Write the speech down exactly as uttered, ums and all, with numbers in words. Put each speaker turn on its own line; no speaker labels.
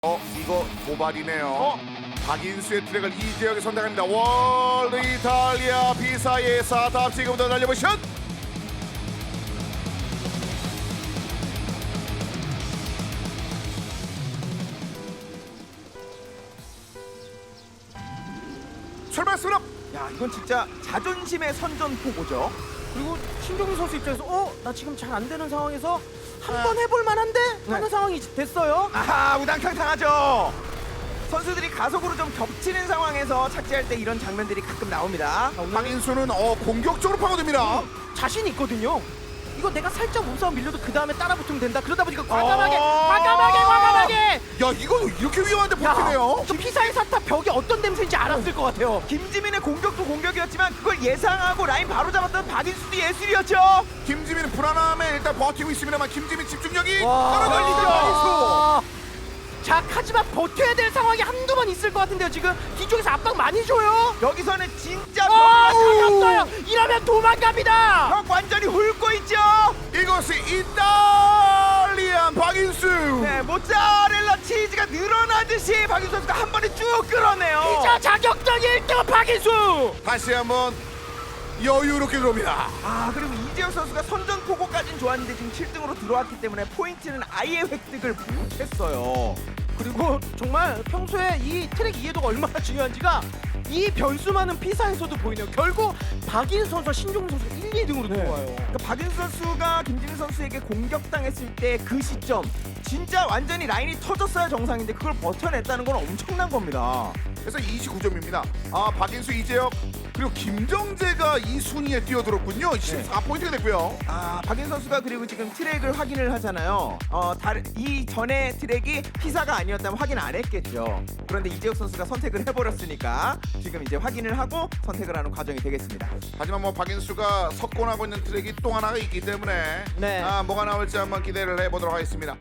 어 이거 도발이네요.
어?
박인수의 트랙을 이재혁이 선택합니다. 월드 이탈리아 비사의 사탑 지금부터 달려보시죠. 출발했습니다.
야, 이건 진짜 자존심의 선전포고죠.
그리고 신종민 선수 입장에서 어? 나 지금 잘 안 되는 상황에서 한번 해볼 만한데? 하는
네.
상황이 됐어요.
아하, 우당탕 당하죠. 선수들이 가속으로 좀 겹치는 상황에서 착지할 때 이런 장면들이 가끔 나옵니다.
박인수는 어 공격적으로 파고듭니다.
자신 있거든요. 이거 내가 살짝 몸싸움 밀려도 그 다음에 따라 붙으면 된다. 그러다 보니까 과감하게,
어.
과감하게, 과감하게.
야 이거 이렇게 위험한데 버티네요.
저 피사의 사탑 벽이 어떤 냄새인지 알았을 것 같아요.
김지민의 공격도 공격이었지만 그걸 예상하고 라인 바로 잡았던 박인수도 예술이었죠.
김지민은 불안함에 일단 버티고 있습니다만 김지민 집중력이
와.
떨어졌죠. 박인수.
자, 하지만 버텨야 될 상황이 한두 번 있을 것 같은데요. 지금 뒤쪽에서 압박 많이 줘요.
여기서는 진짜
아,
벽,
잡았어요. 이러면 도망갑니다.
벽 완전히 훑고 있죠.
이것이 이탈리안 박인수.
네, 모짜렐라 치즈가 늘어나듯이 박인수 선수가 한 번에 쭉 끌어내요.
피자 자격적 일 등 박인수.
다시 한번 여유롭게 들어옵니다.
아, 그리고 이재혁 선수가 선전포고까지는 좋았는데 지금 칠 등으로 들어왔기 때문에 포인트는 아예 획득을 못했어요.
그리고 정말 평소에 이 트랙 이해도가 얼마나 중요한지가 이 변수 많은 피사에서도 보이네요. 결국 박인수 선수와 신종민 선수가 일, 이 등으로 들어와요.
그러니까 박인수 선수가 김진우 선수에게 공격당했을 때 그 시점 진짜 완전히 라인이 터졌어야 정상인데 그걸 버텨냈다는 건 엄청난 겁니다.
그래서 이십구 점입니다. 아 박인수, 이재혁 그리고 김정재가 이 순위에 뛰어들었군요. 십사 포인트가 됐고요.
아, 박인수 선수가 그리고 지금 트랙을 확인을 하잖아요. 어, 다른 이 전에 트랙이 피사가 아니었다면 확인 안 했겠죠. 그런데 이재혁 선수가 선택을 해버렸으니까 지금 이제 확인을 하고 선택을 하는 과정이 되겠습니다.
하지만 뭐 박인수가 석권하고 있는 트랙이 또 하나가 있기 때문에
네.
아 뭐가 나올지 한번 기대를 해보도록 하겠습니다.